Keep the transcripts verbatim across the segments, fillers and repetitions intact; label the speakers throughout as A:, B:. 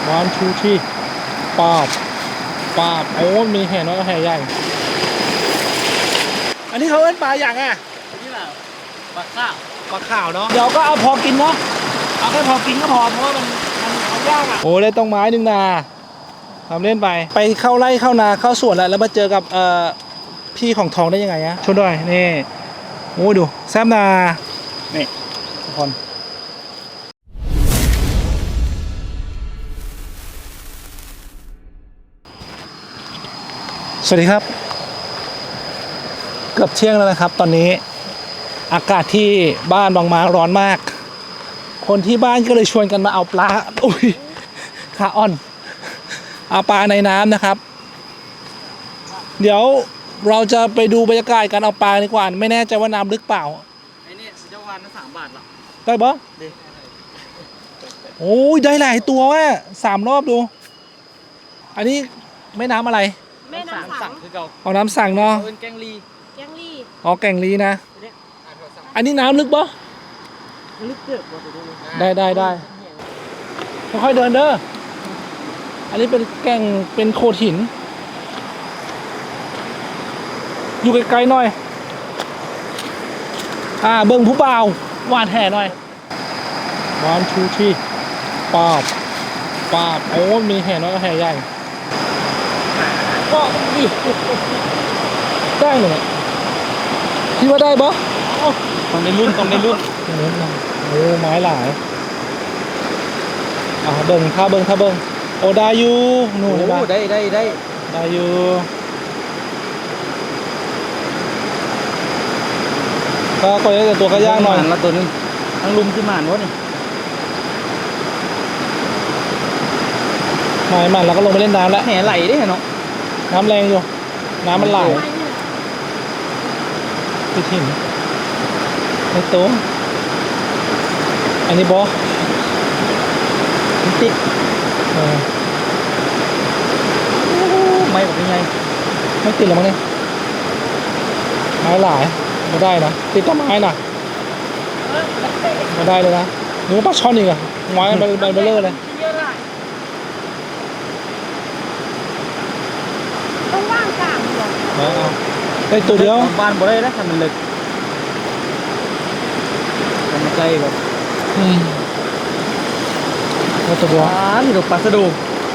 A: วันชูที่ปาบปาบโอ้มีแห่น้อยกับแห่ใหญ่อันนี้เขาเล่นปลาอย่างอ่ะ
B: นี่แหละปลาข้าว
A: ปลาข่าวเนาะเดี๋ยวก็เอาพอกินเนาะเอาแค่พอกินก็พอเพราะว่ามันมันเอายากอ่ะโอ้ได้ต้องไม้หนึ่งนาทำเล่นไปไปเข้าไร่เข้านาเข้าสวนแล้วแล้วมาเจอกับเอ่อพี่ของทองได้ยังไงฮะชนด้วยนี่โอ้ดูแซมนานี่ทุกคนสวัสดีครับเกือบเที่ยงแล้วนะครับตอนนี้อากาศที่บ้านบางมาร้อนมากคนที่บ้านก็เลยชวนกันมาเอาปลาอุ้ยขาอ่อนเอาปลาในน้ำนะครับเดี๋ยวเราจะไปดูบรรยากาศการเอาปลาดีกว่าไม่แน่ใจว่าน้ำลึกเปล่า
B: ไอ้นี่เจ้าวันนั้นสามบาทหรอ
A: ได้ปะโอ้ยได้หลายตัวว่ะสามรอบดูอันนี้ไม่น้ำอะไร
B: แม่น้ำสั่งคือเก่า
A: เอาน้ำสั่งเนาะ
B: เป็นแกงลี
C: แกงลี
A: อ๋อแกงลีนะอันนี้น้ำลึกปะ
B: ลึกเกิน
A: ได้ได้ได้ค่อยๆเดินเด้ออันนี้เป็นแก่งเป็นโขดหินอยู่ไกลๆหน่อยอ่าเบิ่งผู้บ่าวหวานแห่หน่อยวันชูที่ปาบปาบโอ้มีแห่น้อยกับแห่ใหญ่ก็ได้เลยคิดว่าได้ปะ
B: ต้องในรุ่นต้องในรุ่น
A: โอ้ไม้หลายอ่าเบิ่งท่าเบิ่งท่าเบิ่งโอ้ได้อยู่นู่นได้
B: ได้ได้ได้
A: ได้อยู่ก็ก็ได้แต่ตัวก็ย่างหน่อย
B: ละตัวนึงทั้งลุมที่หมานวะนี่
A: หมายมันแล้วก็ลงไปเล่นน้ำแล้ว
B: แห่ไหลได้เนาะ
A: น้ำแรงอยู่น้ำมันไหลติดหินในโต๊ะอันนี้บอ
B: ติด
A: ไม่แบบยังไงไม่ติดหรอมั้งเนี่ยไม้หลายไม่ได้นะติดต้นไม้น่ะไม่ได้เลยนะหนูปลาช่อนอีกอะไม้มันมันเบลอเลย
C: ต้องว่างกลางเหรอ
A: เอาได้ตัวเดียว
B: บ้านบ่ได้แล้วทำมันเล็กทำใจแบบ
A: อืมตัวเดียว
B: อ่านี่ดอกปลาสะดู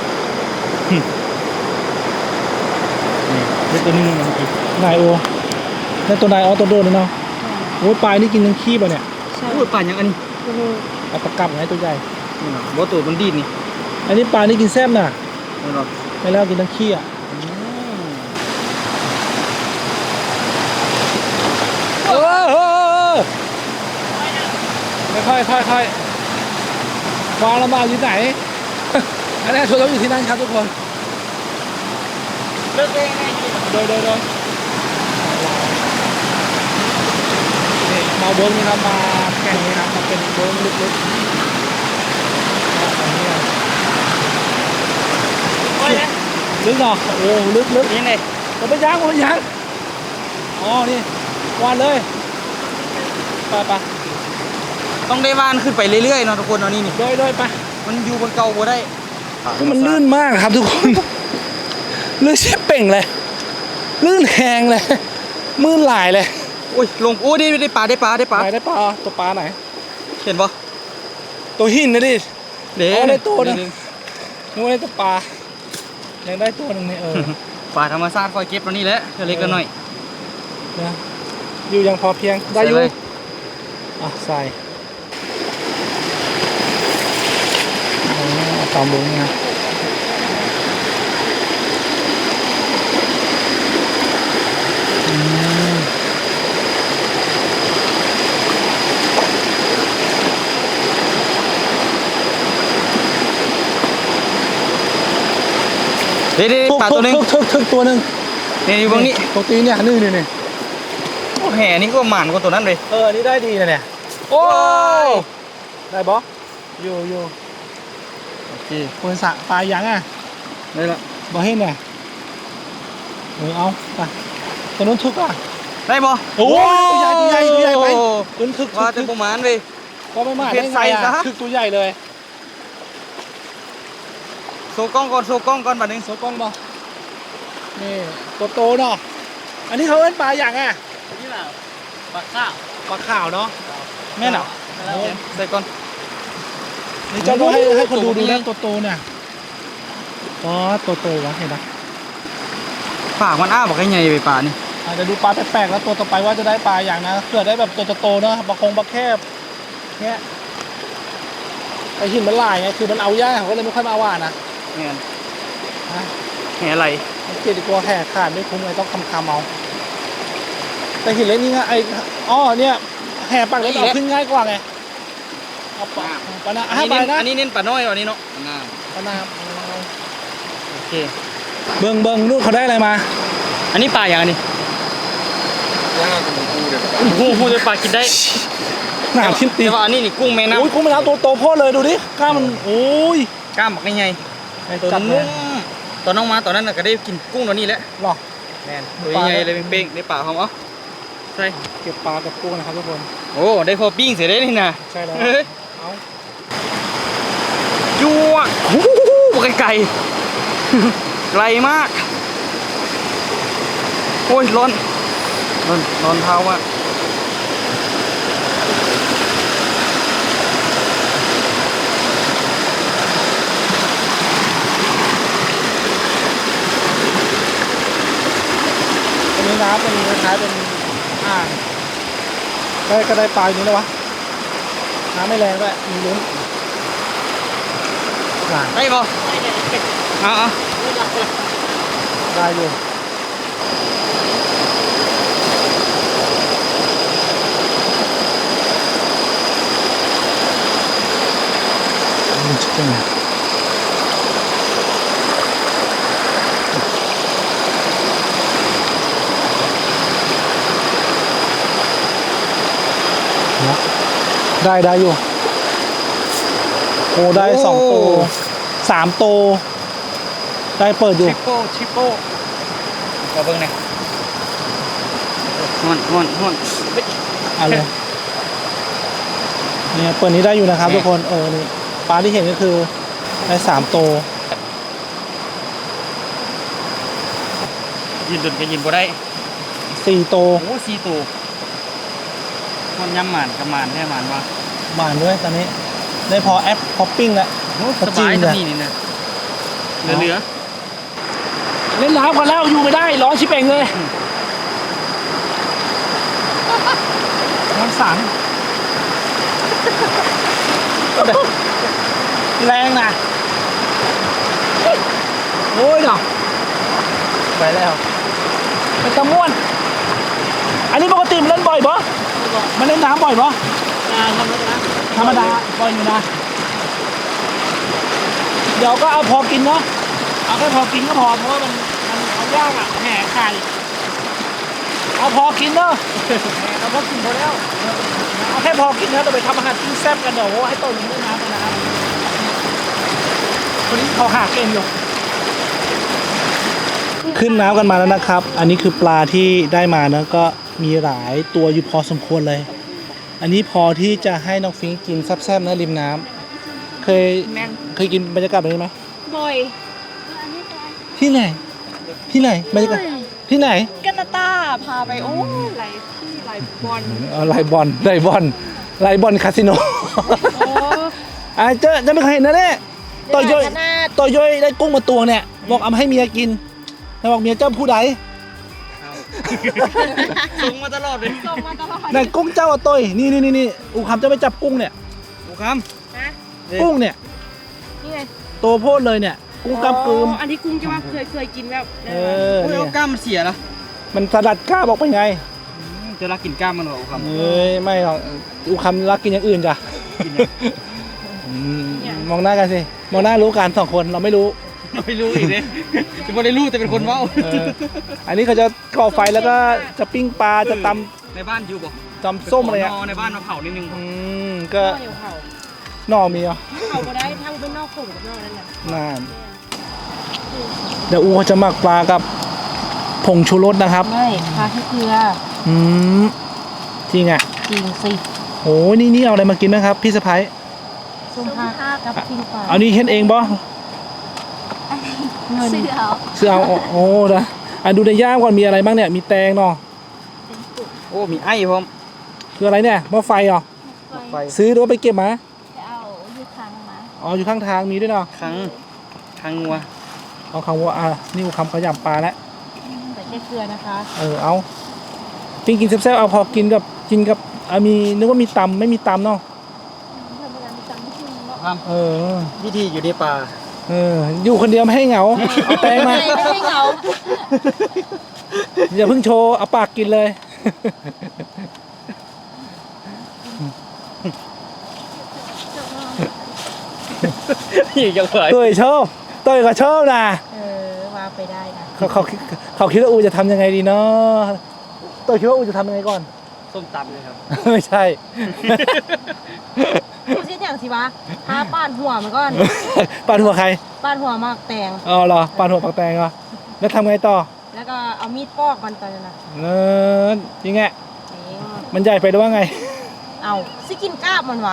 B: นี่ตัวนึงเมื่อกี้
A: นายโอในตัวนายอ๋อตัวโดนเนาะโอ้ยปลายนี่กินทั้งขี้ป่ะเนี่ย
B: ใช่โอ้ยปลาอย่างอันนี้
A: เอาปลากับไงตัวใหญ่
B: นี่นะบ่ตัวมันดีนี่
A: อันนี้ปลานี่กินแซ่บน่ะ
B: นี่หรอ
A: ไม่แล้วกินทั้งขี้อ่ะเออเออไม่ค่อยค่อยค่อยวางแล้วมาอยู่ไหนอันนี้ชวนเราอยู่ที่นั่นครับทุกคน
B: เลิกได้ไง
A: โดยโดยโดยนี่มาเบิ้งนี่ครับมาแข่งนี่ครับมาเป็นเบิ้งลึกๆลึกเนาะโอ้ลึกลึก
B: ยังไง
A: ผมไปย่างผมไปย่างอ๋อนี่วานเลยไปไป
B: ต้องได้วานขึ้นไปเรื่อยๆเนาะทุกคนเนาะนี่นี่
A: โดยโดยไป
B: มันอยู่บนเก่าบ่ได้
A: มันลื่นมากครับทุกคนลื่นเชี่ยเป่งเลยลื่นแหงเลยมืดหลายเลย
B: โอ้ยลงโอ้ได้ได้ปลาได้ปลาได้ปลา
A: ได้ปลาตัวปลาไหน
B: เห็นปะ
A: ตัวหินนะดิ
B: เดี๋ยว
A: ได้ตัวนึงนึกว่าได้ตัวปลายังได้ตัวนึงเนี่ยเออ
B: ปลาธรรมชาติคอยเก็บตัวนี้แหละเล็กกันหน่อย
A: นะอยู่ยังพอเพียงได้อยู่อ่ะใส่ตามบุ้งนะ
B: เดี๋ยวปลาตัวนึง
A: ทึกทึกตัวนึง
B: นี่อยู่ตรงนี้
A: ตัวตีเนี่ยนี่นี่นี่
B: โอ้แห่นี่ก็หมานกว่าตัวนั้นเลย
A: เออนี่ได้ดีนะเนี่ยโอ้ได้บออยู่อยู่
B: โอเค
A: คนสะปลายังอ่ะ
B: ได้ละ
A: บอเห็นไงเออเอาไปตัวนู้นทึกอ่ะ
B: ได้บอ
A: โอ้ยตัวใหญ่ตัวใหญ่ตัวใหญ่ไปตัวทึก
B: ว่าจะประมาณเลย
A: ก็ไม่มากได้ไงอ่ะทึกตัวใหญ่เลย
B: ว์กล้องก่อนโชว์กล้องก่อนบัดนึง
A: โซกล้องบ่นี่ตัวโตเนาะอันนี้เขาเอิ้นปลาอย่างอ่ะ
B: นี่แหละปลาข้าว
A: ปลาขาวเนาะ
B: แม่นเหรอใส่ก่อน
A: นี่เจ้าต้องให้ให้คนดู
B: ตัว
A: ดู
B: นี้
A: นะตัวโตเนี่ยอ๋อตัวโตวะเห็นไหม
B: ปากมันอ้าบอกให้ใหญ่ไปปลานี่
A: อาจจะดูปลาแปลกๆแล้วตัวต่อไปว่าจะได้ปลาอย่างนะเกิดได้แบบตัวโตๆเนาะปลาคงปลาแคบเนี้ยไอหินมันลายไงคือมันเอายากเขาก็เลยไม่ค่อยมาว่านะ
B: แม่น
A: ฮะ
B: แหอะไร
A: มันเกลียดกลัวแห่ขาดไม่คุ้มเลยต้องคำคำเอาแต่หินเล็กนี่ไงไออ๋อเนี่ยแห่ปากเล็กเอาขึ้นง่ายกว่าไงเอาปลาปลาหน้า
B: อัน
A: ห้า
B: นี้
A: ใบ
B: เน้น
A: นะ
B: อันนี้เน้นปลาน้อยกว่านี้เนาะ
A: ปลาหน้า
B: โอเค
A: เบิ้งเบิ้งลูกเขาได้อะไรมา
B: อันนี้ปลาอย่างอันนี้
D: ย่างกับหมูปูเดี๋ยว
B: โอ้โหพูดจะปลากินได้
A: หนาชิ้นตี
B: แต่ว่าอันนี้นี่กุ้งแม่น้
A: โอ้ยกุ้งแม่น้ำตัวโตโพดเลยดูดิกล้ามมันโอ้ย
B: ำกล้ามบอกให้ใหญ่ตัว
A: จัดเล
B: นุ่
A: ย
B: มตอนน้องมาตอนนั้นน่ะก็ได้กินกุ้งตัวนี้แหละ
A: หรอ
B: แม่นตัวใหญ่เลยเป้งๆในปากเขาเหรอใช่
A: เก็บปลากับกุ้งนะครับทุกคน
B: โอ้ได้พอปิ้งเสร็จได้นี่นะ
A: ใช่แล้ว
B: เฮ้ย
A: เอา
B: จั่วโอ้โหไกลๆ ไกลมาก โอ้ยร้อนร้อนร้อนเท้ามาก
A: ตรงนี้น้ำเป็นคล้ายๆเป็นอ่างได้ก็ได้ปลาอยู่นี่แล้ววะน้ำไม่แรงด้วยมีลุ้นหลาน
B: ได้ปะเอาเอา
A: ได้อยู่มันจะเป็นไงได้ได้อยู่โอ้ได้สองโตสามโตได้เปิดอยู่
B: ชิปโป้ชิปโป้ขอเบิ่งหน่อยฮอนฮอนฮอนเฮ้ย
A: เอะไรเนี่ยเปิดนี้ได้อยู่นะครับ
B: โอเค
A: ทุกคนเออนี่ปลาที่เห็นก็คือได้สามโต
B: ยืนดุนก็ยืนบ่ได้
A: สี่โต
B: โอ้สี่ตัวมันยำหมานกับหมานแค่หมานวะ
A: หมานด้วยตอนนี้ ได้พอแอปพอปปิ้งแล้ว
B: โอ้
A: ก็
B: ส
A: จริง
B: บาย
A: เนี่
B: สั
A: ย
B: นี่นี่นะเหลือเหลือ
A: เล่นน้ำกันแล้วอยู่ไม่ได้ร้อนชิบเป่งเลยน้ำสังแรงนะโอ้ยเนาะไปแล้วเป็นตะม่วน อันนี้ปกติมันเล่นบ่อยปะมันเล่นน้ำบ่อยปะธรรมดาบ่อยอยู่นะ เดี๋ยวก็เอาพอกินเนาะ เอาแค่พอกินก็พอเพราะว่ามันมันเอายากอ่ะแห่ไข่เอาพอกินเนาะเอาพอกินพอแล้วเอาแค่พอกินนะเราไปทำอาหารกินแซ่บกันเดี๋ยวให้โตลงเล่นน้ำกันนะครับคนนี้เขาหาเก่งอยู่ขึ้นน้ำกันมาแล้วนะครับ อันนี้คือปลาที่ได้มานะก็มีหลายตัวอยู่พอสมควรเลย อันนี้พอที่จะให้น้องฟิงกินแซ่บๆนะริมน้ำเคย
C: แมง
A: เคยกินบรรยากาศแบบนี้ไหม
C: บ่อย
A: ที่ไหน ที่ไหนบรรยากาศที่ไหน
C: กันนาตาพาไปโอ้ไหลที่ไหลบอล
A: เอาไลบอลไลบอลไลบอลคาสิโน
C: โอ้
A: อ่ะเจ้าจะไม่เคยเห็นนะเนี่ยต่อยอยต่อยอยได้กุ้งมาตัวเนี่ยบอกเอามาให้เมียกินแล้วบอกเมียเจ้าผู้ใด
B: ส่งมาตลอดเลย
C: ส่งมาตลอด
A: นั่นกุ้งเจ้าอะต่อยนี่นี่นี่นี่อูคำจะไปจับกุ้งเนี่ย
B: โอ้ค
C: นะ
B: ำ
A: กุ้งเนี่ย
C: นี่ไง
A: โตโพดเลยเนี่ยกุ้งกำกึม
C: อ๋ออันนี้กุ้งจะว่าเคยเคยกินแบบ
A: เออ
B: โอ้ย
A: เนี่
B: เอา
A: ย
B: กล้ามมันเสียนะ
A: มันสลัดกล้าบอกไปไง
B: จะรักกินกล้ามมันเหรอโอ้คำ
A: เอ้ยไม่หรอกอูคำรักกินอย่างอื่นจ้ะ
B: กินอย่าง
A: อืมมองหน้ากันสิมองหน้ารู้กันสองคนเราไม่รู้
B: ไม่รู้อีกเลยจะไม่ได้รู้แต่เป็นคนเว้า
A: เอออันนี้เขาจะก่อไฟแล้วก็จะปิ้งปลาจะต
B: ในบ้านอยู่บ่
A: ำตำส้มอะไรอ่ะ
B: ปขนในบ้านมาเผานิดนึง
A: อืมก็
C: ก็เดี๋ยวเผา
A: หน่อมีเหรอ่ะ
C: เผาก็ได้ทั้งเป็นนอกผงกับนอกนั่นแหละ
A: นาน เดี๋ยวอูจะหมักปลากับผงชูรสนะครับ
C: ไม่พาแค่เกลือ
A: อืมจริงอ่ะ
C: จริงสิ
A: โหนี่นี่เอาอะไรมากินนะครับ พี่สะพ้าย
C: ส้มผักกับปิ้งปลา
A: เอานี่เฮ็ดเองบ่
C: เงิน
E: ซื้อเอา
A: ซื้อเอาโอ้โอ้นะอ่ะดูในย่ามก่อนมีอะไรบ้างเนี่ยมีแตงเนาะ
E: เป็นกุก
B: โอ้มีไอ้พร้อม
A: คืออะไรเนี่ยหม้อไฟเหรอ
B: ไฟ
A: ซื้อหรือว่าไปเก็บมา
E: จะเอาอยู่ทางมา
A: อ๋ออยู่ข้างทางมีด้วยเนาะ
B: ครั้งครั้งงัว
A: เอาคำว่าอ่ะนี่คำขยำปลาแล้ว
C: ใส่แค่เกลือนะคะ
A: เออเอาปิ้งกินแซ่บๆเอาพอกินกับกินกับอ่ะมีนึกว่ามีตำไม่มีตำเนาะ
E: ธรรมดามีตังค์ที่นึงเนาะ
B: ครับ
A: เออ
B: วิธีอยู่ในป่า
A: เอออยู่คนเดียวไม่ให้เหงาเอาแตงมา
C: ไม่ไม่ให้เหงา
A: อย่าเพิ่งโชว์เอาปากกินเลย
B: อีกยังไง
A: เต้ยชอบเต้ยก็ชอบนะ
C: เออว่าไปได้นะ
A: เขาเขาเขาคิดว่าอูจะทำยังไงดีเนาะเต้ยคิดว่าอูจะทำยังไงก่อน
B: ส้มตำเลยครับ
A: ไม่ใช่
C: กูคิดอย่างสิวะหาป้านหัวมันก่อน
A: ปาดหัวใคร
C: ป้านหัวมากแตง
A: อ๋อเหรอปาดหัวปากแตงเหรอแล้วทำไงต่อ
C: แล้วก็เอามีดปอกมันตอนนั้นนะ
A: เออยังไง
C: เอง
A: มันใหญ่ไปหรือว่าไง
C: เอาสิกินกล้าบมันวะ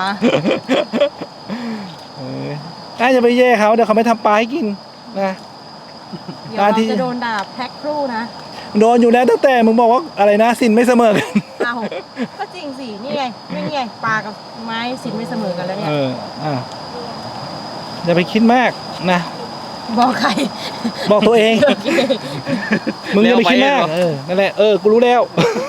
A: เออน่าจะไปแย่เขาเดี๋ยวเขาไม่ทำปลาให้กินนะ
C: เดี๋ยว
A: อ่า
C: เรา
A: ที่
C: จะโดนด่าแพ็คครู่นะ
A: โดนอยู่แล้วตั้งแต่มึงบอกว่าอะไรนะสินไม่เสมอกัน
C: เอาก็จริงสินี่ไงไม่นี่ไงปลากับไม้สินไม่เสมอกันแล้วเนี่ย
A: เอออ่ะอย่าไปคิดมากนะ
C: บอกใคร
A: บอกตัวเอง
C: โอเค
A: มึงอย่าไปคิดมากเออนั่นแหละเออกูรู้แล้ว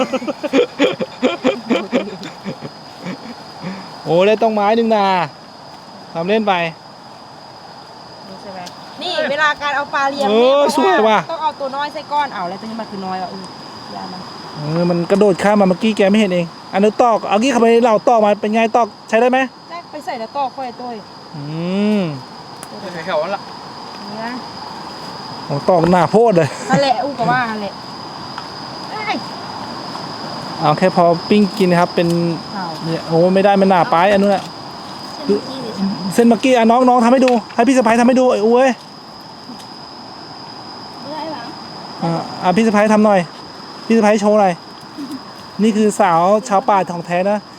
A: โอ้ได้ต้องไม้หนึ่งนาทำเล่นไป
C: นี่ใช่ไหมนี่เวลาการเอาปลาเลี้ยง
A: เอ
C: เนี่ย
A: อ
C: บอก
A: สวยว่ะ
C: ต้องเอาตัวน้อยใส่ก้อนเอาแล้วตัวนี้มันคือน้อยว่ะอือยามัน
A: เออมันกระโดดข้ามมาเมื่อกี้แกไม่เห็นเองอันนี้ตอกเอากี้เขาไปเหล่าตอกมาเป็นไงตอกใช้ได้ไหม
C: แรกไปใส่แล้วก็ค่อยตัว
A: อืม
B: แถวๆนั้นละ
C: นี่นะ
A: โอ้ตอกหน้าโพดเลย
C: ฮันแหละอู้กับว่าฮันแหละเอ้ย
A: เอาแค่พอปิ้งกินนะครับเป็น
C: เอา
A: เนี่ยโอ้ไม่ได้มันหนาไปอันนู้นแหละ
E: เส้นกี้หรือ
A: เส้นเมื่อกี้อ่ะน้องน้องทำให้ดูให้พี่สะพ้ายทำให้ดูไอ้อุ้ย
E: ได้หรอ
A: อ่าอ่ะพี่สะพ้ายทำหน่อย พี่สะพ้ายโชว์หน่อยนี่คือสาวชาวป่าของแท้นะ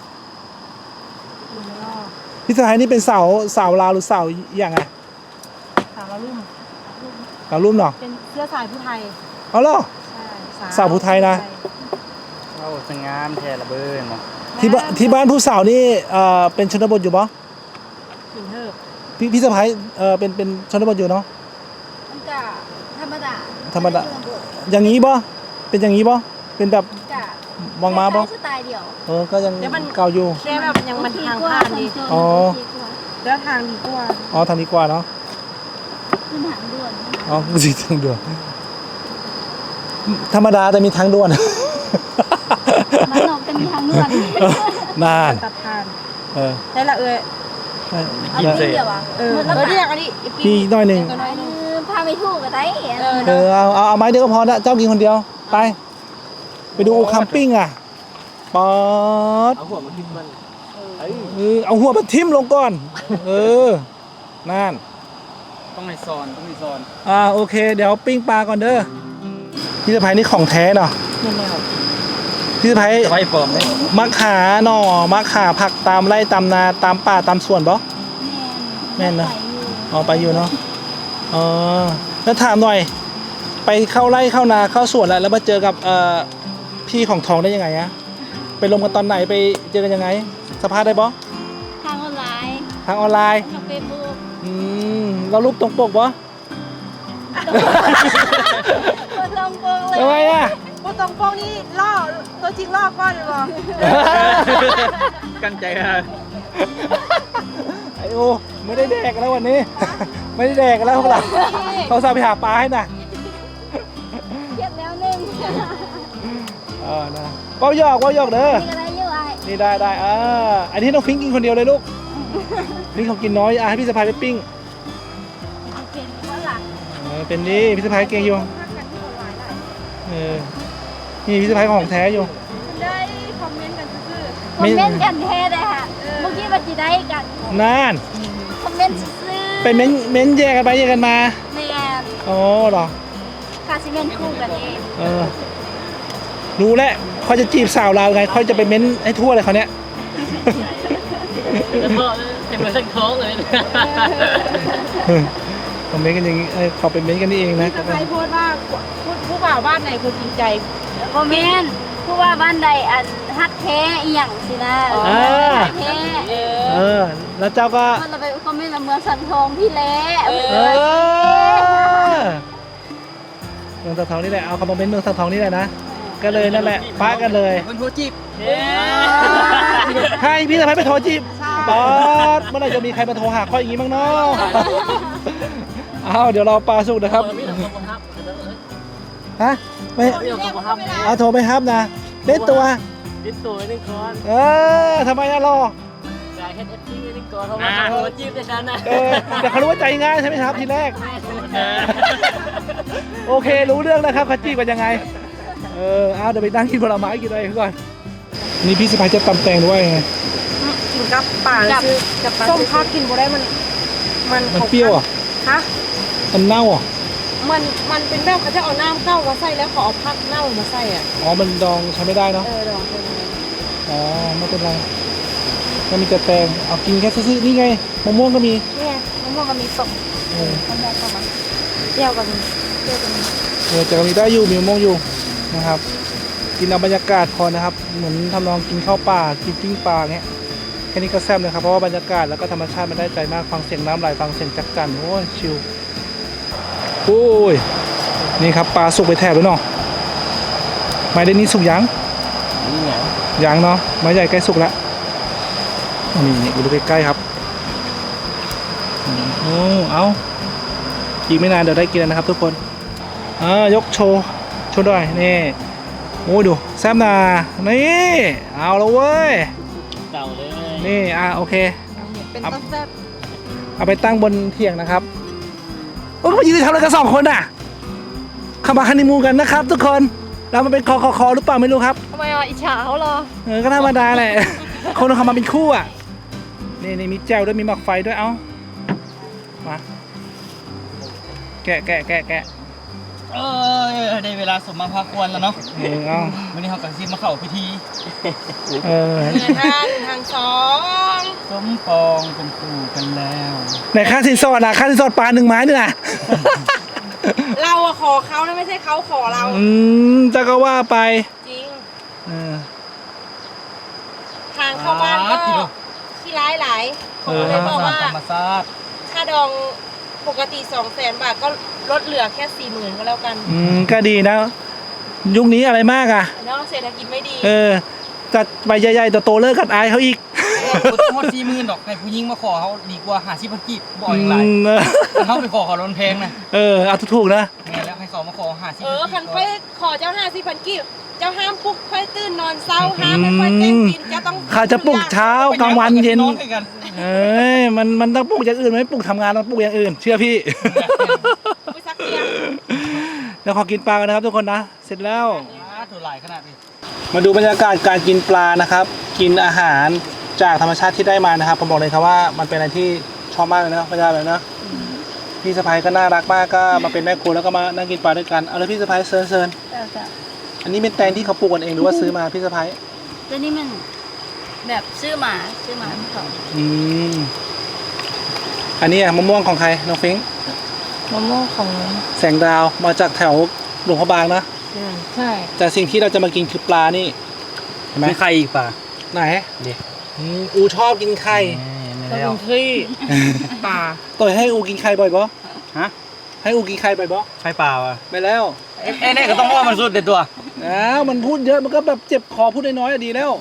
A: พี่สะพ้ายนี่เป็นสาวสาวลาวหรือสาวอย่างไง
C: สาวละลุ่ม
A: สาวรุ่มเหรอ
C: เป็นเสื้อสายผู้ไทย
A: เอาเหรอ
C: ใช่
A: สาวผู้ไทยนะ
B: โอ้สงามแท้ละเบิ้ลเนาะ
A: ที่บ้านที่บ้านผู้สาวนี่เอ่อเป็นชนบทอยู่ปะ
C: ขิงเทิบ
A: พี่พี่สะพ้ายเอ่อเป็นเป็นชนบทอยู่เนาะ
E: มันกะธรรมดา
A: ธรรมดา อย่างนี้ปะเป็นอย่างนี้ปะเป็นแบบ
E: กะ
A: มองมาปะ
E: สไตล์เดียว
A: เออก็ยังเก่าอยู่
C: แค่แบบยังมันทางผ่านดี
A: อ๋อ
C: แล้วทางดีกว่า
A: อ๋อทางนี้กว่าเนาะ
E: ขึ้นทางด่วน
A: อ๋อสีทางด่วนธรรมดาแต่มีทางด่วน
E: มันนอกจะมีทางด่วน
A: นาน
C: ตัดทาง
A: เออ
C: ใช่ละเอ้ย
E: เอา
A: เออ
E: ปีเดียวอ่ะ
C: เออ
E: หมด
C: เอ
E: แล้ว
C: อเรียกอันนี้
A: พี่หน่อยหนึ่ง
C: ตัวน้อยหนึ่ง
E: พาไปถูกกับไต้
C: เออ
A: เออเอาเอาเอาไม้เดียวก็พอนะเจ้ากินคนเดียวไป ไปดูคัมปิ้งอ่ะป๊อด
B: เอาหัวมาทิ่มมัน
A: เออเอาหัวมาทิ่มลงก่อน เออนั่น
B: ต้องให้ซอนต้องมีซอน
A: อ่าโอเค เดี๋ยวปิ้งปลาก่อนเด้อพี่สะพ้ายนี่ของแท้เนาะ
C: นี่แนว
A: พี่สะพ้าย
B: จะไว้ปลอมได้
A: มักขาหน่อมักขาผักตามไร่ตามนาตามป่าตามสวนบ่ แม่นนะ อ๋อไปอยู่เนาะอ๋อแล้วถามหน่อย ไปเข้าไร่เข้านาเข้าสวนแล้วแล้วมาเจอกับเอ่อพี่ของทองได้ยังไงอะไปลงกันตอนไหนไปเจอกันยังไงสภาพได้บ่
E: ทางออนไลน์
A: ทางออนไลน์
E: ทางเฟซบุ๊ก
A: อืมเรารูปตรงปกบ่
E: คนลงโปงเลย
A: ทำไมอะ
C: พวกตรงโป้งนี่ล่อตัวจริงล่อก้อนเลยบ่
B: กันใจฮะ
A: ไอโอไม่ได้แดกแล้ววันนี้ ไม่ได้แดกแล้วพวกเราเขาสาไปหาปลาให้น่ะ
E: เครียดแล้วหนึง
A: เออนะเป้าหยอกเป้าหยอกเด้อ
E: นี่ก็ได้อยู่ไอ้
A: นี่ได้ได้อ่าอันนี้น้องฟิงกินคนเดียวเลยลูกฟิงเขากินน้อยอ่ะให้พี่สะพายไปปิ้ง
E: เป็นว่าหลัก
A: เออเป็นนี่พี่สะพายเก่งอยู่เออนี่พี่สะพายของแท้อยู่
C: ได้คอมเมนต์กันซื่อ
E: คอมเมนต์กันแท้เลยค่ะเมื่อกี้ว่าจะได้กัน
A: นั่น
E: คอมเมนต์ซื้อ
A: เป็นเม้นเม้นแยกกันไปแยกกันมา
E: แม่
A: อ๋อเหรอ
E: คาซิเมนคู่กันเอง
A: เออรู้แล้วเขาจะจีบสาวเราวไงเขาจะไปเม้นให้ทั่วเลยเขาเนี้ย
B: เต็มเลยทั้งท้องเลย
A: เคอมเมนต์กันอย่างนี้เอ้ยขอเป็นเมนต์กันนี่เองนะ
C: พี่สะพ้ายโพสต์ว่าผู้ผู้บ่าวบ้านไหนคนจริงใจ
E: คอมเมนต์ผู้ว่าบ้านใดอันฮักแท้อีหยังสินะ
A: อ่า
E: ฮักแท้
C: เอ
A: เอ
C: อ
A: อ แล้วเจ้าก็
E: มันเราไปคอมเมนต์ว่าเมืองสันทองพี่เละ
C: เอ
A: เออเมืองสังทองนี่แหละเอาคอมเมนต์เมืองสังทองนี่แหละนะก็เลยนั่นแหละป้ากันเลย
B: คนโทรจีบ
A: ให้พี่สะพ้ายไปโทรจีบปอดเมื่อไหร่จะมีใครมาโทรหาข้ออย่างนี้บ้างเนาะเอาเดี๋ยวเราปลาสุกนะครับฮะไม่เอาโทรไปครับนะเล่นตัว
B: ติดตัวนึงก่อน
A: เออทำไมอะรอ
B: จ่ายเฮ็ดเอฟซีนึงก่อนเพราะว่าโทรจีบได้ฉันนะ
A: เออแต่เขารู้ว่าใจง่ายใช่ไหมครับทีแรก โอเครู้เรื่องแล้วครับเขาจีบกันยังไง เออเอาเดี๋ยวไปนั่งกินผลไม้กินอะไรก่อนนี่พี่สะพ้ายจะตำแตงด้วยไง
C: กินกับป่าซื้อกับส้มพักกินบ่ได้มัน มัน
A: มันเปรี้ยวอ่ะ
C: ฮะ
A: มันเน่าอ่ะ
C: มันมันเป็นแบบเขาจะเอาน้ำเข้ามาใส่แล้วเขาเอาพักเน่ามาใส่อ่ะ
A: อ๋อมันดองใช้ไม่ได้เนาะ
C: เออลองเป็นไง
A: อ๋อไม่เป็นไรก็มีแต่แตงเอากินแค่ซื่อๆนี่ไงมะม่วงก็มี
C: เนี่ยมะม่วงก็มีตก
A: เออ
C: มะม่วงก็มาเปรี้ยวก็มีเปรี้ยวก็มี
A: เออแต่ก็มีได้อยู่มีมะม่วงอยู่นะครับ กินเอาบรรยากาศพอนะครับ เหมือนทำนองกินข้าวป่ากินปิ้งปลาเงี้ยแค่นี้ก็แซ่บเลยครับเพราะว่าบรรยากาศแล้วก็ธรรมชาติมันได้ใจมากฟังเสียงน้ำไหลฟังเสียงจักจั่นโอ้ยชิลโอ้ยนี่ครับปลาสุกไปแถบแล้วเนาะไม้ได้นี้สุกยัง
B: นี่ไง
A: ยังเนาะไม้ใหญ่ใกล้สุกแล้วนี่นี่ดูใกล้ๆครับโอ้เอาอีกไม่นานเดี๋ยวได้กินแล้วนะครับทุกคนอ่ายกโชว์โชว์หน่อยนี่โอ้ยดูแซ่บนานี่เอาแล้วเว้ย
B: เต่าเลย
A: นี่อ่ะโอเค
C: เป็นต้นแซ่บ
A: เอาไปตั้งบนเถียงนะครับโอ้ยมายืนทำอะไรกันสองคนอ่ะเข้ามาฮันนีมูนกันนะครับ ทุกคนเรามาเป็นคอคอคอหรือเปล่าไม่รู้ครับ
C: ทำไมอ่ะอิจฉาเขาเหรอ
A: เออก็ธรรมดาแหละ คนเขามาเป็นคู่อ่ะนี่นี่มีแจวด้วยมีหมักไฟด้วยเอ้ามาแกะแกะแกะแกะ
B: เออได้เวลาสมมาพาควรแล้วเนาะ
A: เออเอา
B: วันนี้เขากับซีมาเข้าพิธี
A: เออ
C: เงินทางทางสอง
B: สมปองเป็นคู่กันแล้ว
A: ไหนค่าสินสอดอ่ะค่าสินสอดปลาหนึ่งไม้นี่นะ
C: เราอะขอเขานะไม่ใช่เขาขอเรา
A: อืมจะก็ว่าไป
C: จริง
A: เออ
C: ทางเข้าบ้านก็ที่ร้ายหลายผมก็เลยบอกว่า
B: ธรรมชาติ
C: ค่าดองปกติสองแสนบาทก็ลดเหลือแค่สี่หมื่นก็แล้วกัน
A: อืมก็ดีนะ ยุคนี้อะไรมากอ่ะ
C: เนาะเศรษฐกิจไม่ดี
A: เออจัดใบใหญ่ๆโตๆเลิกกัดอายเขาอีก
B: โคตรสี่หมื่นดอกให้ผู้หญิงมาขอเขาดีกว่าหาสิบพันกีบบ่อยอย่างไร
A: อืมเออ
B: เขาไปขอเขาลนเพลงนะ
A: เออเอาถูกๆนะ
B: แม่แล้วให้เขามาขอหาสิบ
C: เออคันค่อยขอเจ้าห้าสิบพันกีบเจ้าห้ามปลุกค่อยตื่นนอนเศร้าห้ามไม่ค่อยแกล้งกินเจ้าต้อง
A: ข้าจะปลุกเช้ากลางวันเย็น
B: อด้วยกัน
A: เอ้ยมันมันต้องปลุกอย่างอื่นไม่ปลุกทำงานต้องปลุกอย่างอื่น เชื่อพี่
C: ไปซักเตียง
A: เดี๋ยวขอกินปลากันนะครับทุกคนนะ เสร็จแล้ว
B: อ่าถูกหลายขนาดนี้
A: มาดูบรรยากาศการกินปลานะครับ กินอาหารจากธรรมชาติที่ได้มานะครับผมบอกเลยครับว่ามันเป็นอะไรที่ชอบมากเลยนะพระเจ้าเลยนะพี่สะพ้ายก็น่ารักมากก็มาเป็นแม่ครัวแล้วก็มานั่งกินปลาด้วยกันเอาเลยพี่สะพ้ายเซิร์นเซิร์น
E: เออจ้ะ
A: อันนี้เป็นแตงที่เขาปลูกกันเองหรือว่าซื้อมาพี่สะพ้าย
E: แล้วนี่มันแบบซื้อหมาซื้อหมาของเขา
A: อืมอันนี้อะมะม่วงของใครน้องฟิงค์
C: มะม่วงของ
A: แสงดาวมาจากแถวหลวงพระบางนะ
C: ใช่
A: แต่สิ่งที่เราจะมากินคือปลานี่เห็นไหม
B: มีใครอีกป่ะ
A: ไหน
B: เดี๋ยว
A: อืมอูชอบกินไข่
B: ไม่
C: ก็
B: แล้
C: เป็
B: วน
C: ที่ป่า
A: ต่อยให้อูกินไข่บ่อยปะ
B: ฮะ
A: ให้อูกินไข่บ่อยปะ
B: ใครป่าวะ
A: ไปแล้ว
B: เอ้ยเนี่ยก็ต้องว่ามันสุดเด็ดตัว
A: อ้าวมันพูดเยอะมันก็แบบเจ็บคอพูดน้อยๆอะดีแล้ว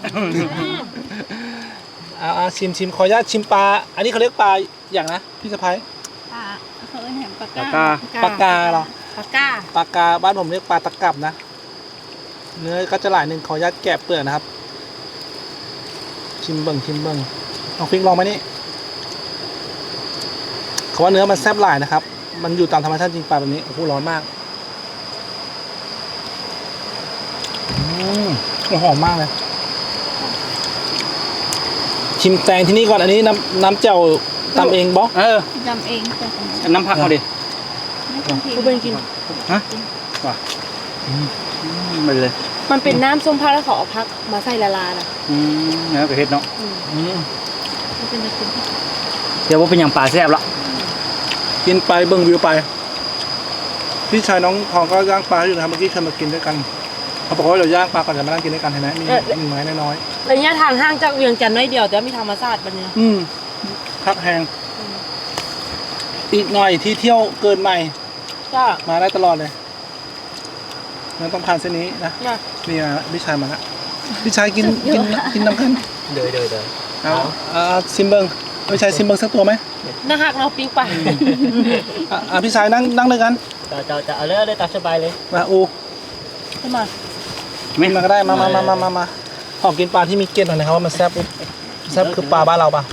A: เอาเอาชิมชิมขออนุญาตชิมปลาอันนี้เขาเรียกปลาอย่างนะพี่สะพ้าย
E: ปลาเขาเรียกแหมปลา
B: ปาก
E: ก้าก
B: า
A: ปลากาเหรอ
C: ปากก้า
A: ปลากาบ้านผมเรียกปลาตะกับนะเนื้อก็จะหลายหนึ่งขออนุญาตแกะเปลือกนะครับ ชิมเบิ่งชิมเบิ่งลองฟิงลองไหมนี่เขาว่าเนื้อมันแซ่บหลายนะครับ มันอยู่ตามธรรมชาติจริงปลาแบบนี้โอ้โหร้อนมากอืมหอมมากเลย ชิมแตงที่นี่ก่อนอันนี้น้ำน้ำเจ่วตำเองบอ
B: เออ
E: จำเองแต่ของ
B: น้ำผักเขาดิ
E: ไม่ต้องทิ้ง
C: กูเป็นกิน
B: ฮะว่ะมันเลย
C: มันเป็นน้ำส้มพักแล้วเขาเอาพักมาใส่ละลายนะ
B: อืมแล้วก็เฮ็ดเนาะ
A: อืม
C: มันเป็นตะกิน
B: เดี๋ยวว่าเป็นอย่างป่าแซ่บละ
A: กินไปเบิ่งวิวไปพี่ชายน้องทองก็ย่างปลาอยู่นะครับเมื่อกี้เคยมากินด้วยกันเขาบอกว่าเราย่างปลาก่อนจะมานั่งกินด้วยกันเห็นไหมมีมีไม้น้อย
C: ระยะทางห่างจากเวียงจันทร์น้อยเดียวแต่มีธรรมชาติบัดนี้
A: ๆอืมพักแหงอีกหน่อยที่เที่ยวเกินใหม่
C: จ้า
A: มาได้ตลอดเลยงั้นต้องผ่านเส้นนี้นะ
C: จ้า
A: นี่นะพี่ชายมาละพี่ชายกินกินกินน้ำกัน
B: เดยเดยเดย
A: เอาเอาซิมเบิงพี่ชายซิมเบิงสักตัวไหม
C: น่าหักเราปิ้งไป
A: อ่ะอ่ะพี่ชายนั่งนั่งด้วยกัน
B: จะจะจะเอาเลยเลยตามสบายเลย
A: มาอู
C: ขึ้นมา
A: ไม่มาก็ได้มามามามามามาขอกินปลาที่มีเกล็ดหน่อยนะครับว่ามันแซ่บแซ่บคือปลาบ้านเราปะ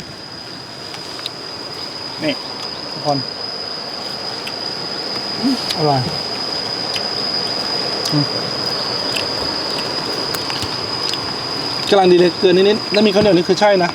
A: นี่ทุกคนอร่อยอืมกำลังดีเลยเกินนิดๆแล้วมีข้าวเหนียวนี่คือใช่นะ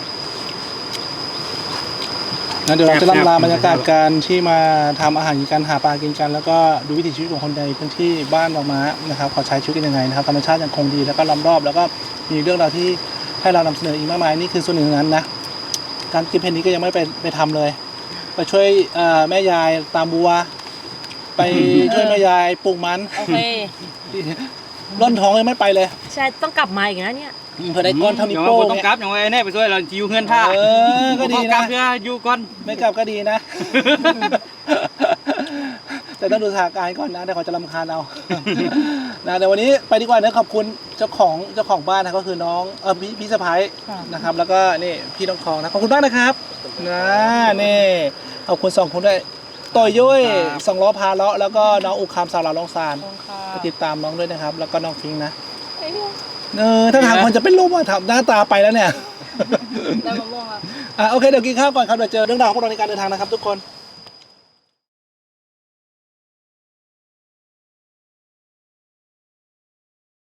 A: นะเดี๋ยวเราจะล่ำลาบรรยากาศการที่มาทำอาหารกินกันหาปลากินกัน แล้วก็ดูวิถีชีวิตของคนในพื้นที่บ้านบางม้านะครับเขาใช้ชีวิตกันยังไงนะครับธรรมชาติยังคงดีแล้วก็ล้อมรอบแล้วก็มีเรื่องราวที่ให้เรานำเสนออีกมากมายนี่คือส่วนหนึ่งนั้นนะการกินเพนนี้ก็ยังไม่ไปไปทำเลย ไปช่วยเอ่อแม่ยายตามบัว ไปช่วยแม่ยายปลูกมัน
C: โอเค
A: ร่อนท้องยังไม่ไปเลย
C: ใช่ต้องกลับมาอีกนะเนี่ย
A: เพื่อได้ก้อนเท่านิ้วโป้ง
B: ต้อง
A: เนี่ย
B: กลับอย่างไรแน่ไปช่วยเราอยู่เพื่อนท่า
A: เออก็ดี
B: กลั
A: นะ
B: บเพื่ออยู่ก่อน
A: ไม่กลับก็ดีนะ แต่ต้องดูสถานการณ์ก่อนนะเดี๋ยวเขาจะรำคาญเอา นะเดี๋ยววันนี้ไปดีกว่านะขอบคุณเจ้าของเจ้าของบ้านนะก็คือน้องเออพี่พี่สะพ้าย
C: ค่ะ
A: นะครับ แล้วก็นี่พี่น้องทองนะขอบคุณมากนะครับนะนี่ขอบคุณสองคนด้วยต่อยยุ้ยสองล้อพาเลาะแล้วก็น้องอุคามสาวลาวลองซาน
C: ขอบคุณค่ะ
A: ไปติดตามน้องด้วยนะครับ แล้วก็น้องฟิงค์นะเออถ้าถามคนจะเป็นลมอ่ะทำหน้าตาไปแล้วเนี่ย
C: ได้มะม่วงครับ
A: อ่ะโอเคเดี๋ยวกินข้าวก่อนครับเดี๋ยวเจอเรื่องราวของพวกเราในการเดินทางนะครับทุกคน